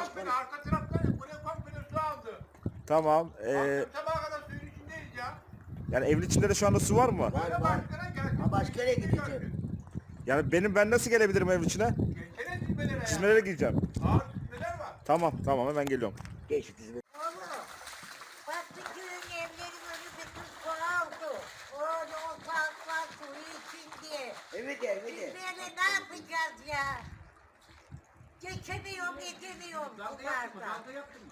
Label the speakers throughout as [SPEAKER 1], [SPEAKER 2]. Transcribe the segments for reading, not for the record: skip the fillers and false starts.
[SPEAKER 1] beni arka taraftan buraya komple su aldı.
[SPEAKER 2] Tamam.
[SPEAKER 1] Sabaha kadar suyun içindeyiz ya.
[SPEAKER 2] Yani evin içinde de şu anda su var mı?
[SPEAKER 1] Böyle başkana gel.
[SPEAKER 3] Ha, başka yere gideceğim.
[SPEAKER 2] Yani ben nasıl gelebilirim evin içine?
[SPEAKER 1] Geçene dizmelere ya.
[SPEAKER 2] Çizmelere gideceğim.
[SPEAKER 1] Ağır dizmeler var.
[SPEAKER 2] Tamam hemen geliyorum.
[SPEAKER 3] Geç dizime.
[SPEAKER 4] Oğlum, bak bütün evlerin önü bütün su aldı. Orada o parklar suyu için diye.
[SPEAKER 3] Evet evet.
[SPEAKER 4] Biz böyle ne yapacağız ya? Geçemiyorum, edemiyorum bunlardan.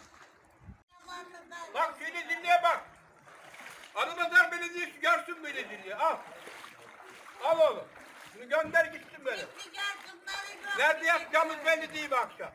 [SPEAKER 1] Bak seni dinleye bak. Anadolu Belediyesi görsün Belediyesi. Al. Al oğlum. Bunu gönder gitsin böyle. Nerede yapacağımız belli değil bu akşam.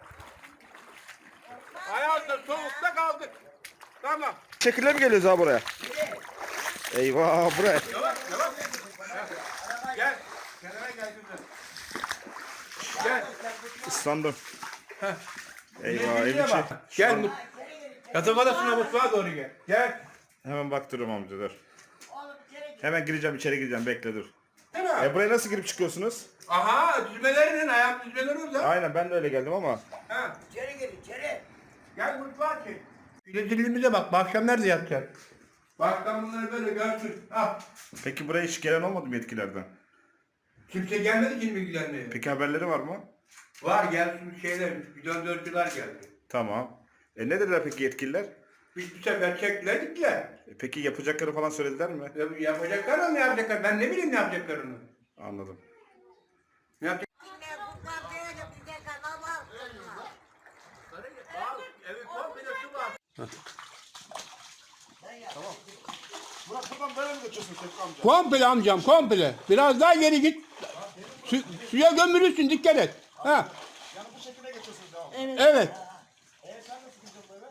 [SPEAKER 1] Ayazda soğukta kaldık. Tamam.
[SPEAKER 2] Şekilde mi geliyoruz abi buraya? Eyvah buraya.
[SPEAKER 1] Yavaş. Gel. Kenara gel kızım. Gel.
[SPEAKER 2] Islandım. Eyvah evin
[SPEAKER 1] Belediyeye
[SPEAKER 2] içi.
[SPEAKER 1] bak. Gel. Yatak odasına mutfağa doğru gel. Gel.
[SPEAKER 2] Hemen baktırıyorum amca dur. Hemen gireceğim içeri gireceğim bekle dur.
[SPEAKER 1] Değil mi?
[SPEAKER 2] Buraya nasıl girip çıkıyorsunuz?
[SPEAKER 1] Aha düzmelerinin ayak düzmeleri orada.
[SPEAKER 2] Aynen ben de öyle geldim ama.
[SPEAKER 1] Ha.
[SPEAKER 3] İçeri gir içeri.
[SPEAKER 1] Gel mutfağa çek. Güneşliğimize bak. Bu akşam nerede yatacak? Bak ben bunları böyle görsün. Ah.
[SPEAKER 2] Peki buraya hiç gelen olmadı mı yetkilerden?
[SPEAKER 1] Kimse gelmedi ki bilgilerine.
[SPEAKER 2] Peki haberleri var mı?
[SPEAKER 1] Var gelsin şeyler, bidondörcüler geldi.
[SPEAKER 2] Tamam. Ne dediler peki yetkililer?
[SPEAKER 1] Bir sefer çektiler gittiler.
[SPEAKER 2] Peki yapacakları falan söylediler mi?
[SPEAKER 1] Yapacaklar ama ne yapacaklar? Ben ne bileyim ne yapacaklarını.
[SPEAKER 2] Anladım.
[SPEAKER 1] Ne yapacak?
[SPEAKER 4] Yine bunlar böyle bize kalamazsınlar.
[SPEAKER 1] Evet, komple su var.
[SPEAKER 2] Murat buradan böyle mi geçiyorsun Tevfik amca?
[SPEAKER 5] Komple amcam komple. Biraz daha geri git. Suya gömülürsün dikkat et. Ha.
[SPEAKER 2] Yani bu şekilde geçiyorsunuz devam.
[SPEAKER 5] Evet.
[SPEAKER 2] Sen nasıl gidiyorsun böyle?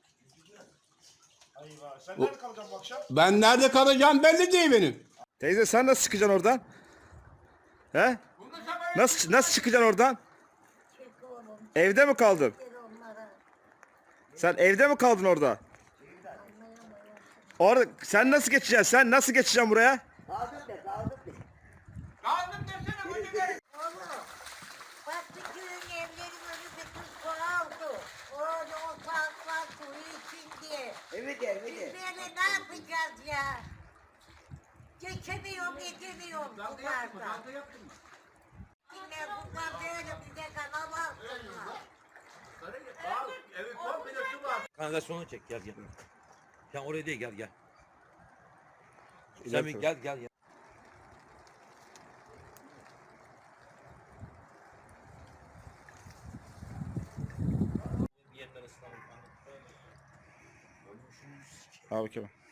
[SPEAKER 2] Eyvah. Sen nerede kalacaksın bu akşam?
[SPEAKER 5] Ben nerede kalacağım belli değil benim.
[SPEAKER 2] Teyze sen nasıl çıkacaksın oradan? He? Nasıl çıkacaksın oradan?
[SPEAKER 4] Çek oğlum,
[SPEAKER 2] Evde mi kaldın?
[SPEAKER 4] ver onlara.
[SPEAKER 2] Sen evde mi kaldın orada? Orada sen nasıl geçeceksin? Sen nasıl geçeceksin buraya?
[SPEAKER 3] Kaldık de kaldık de.
[SPEAKER 1] Kaldım desene bunu gel.
[SPEAKER 4] Oğlum, bak bütün evlerin önü bütün su aldı. Orada o parklar suyu için diye.
[SPEAKER 3] Evet
[SPEAKER 4] Biz
[SPEAKER 3] evet.
[SPEAKER 4] böyle ne yapacağız ya? Geçemiyorum, edemiyorum bunlardan. Yine bunlar böyle bize kalamazsınlar.
[SPEAKER 1] Evet, komple su var.
[SPEAKER 6] Kanalizasyonu çek gel. Sen oraya değil gel. Sen bir gel.
[SPEAKER 2] Abi Kemal.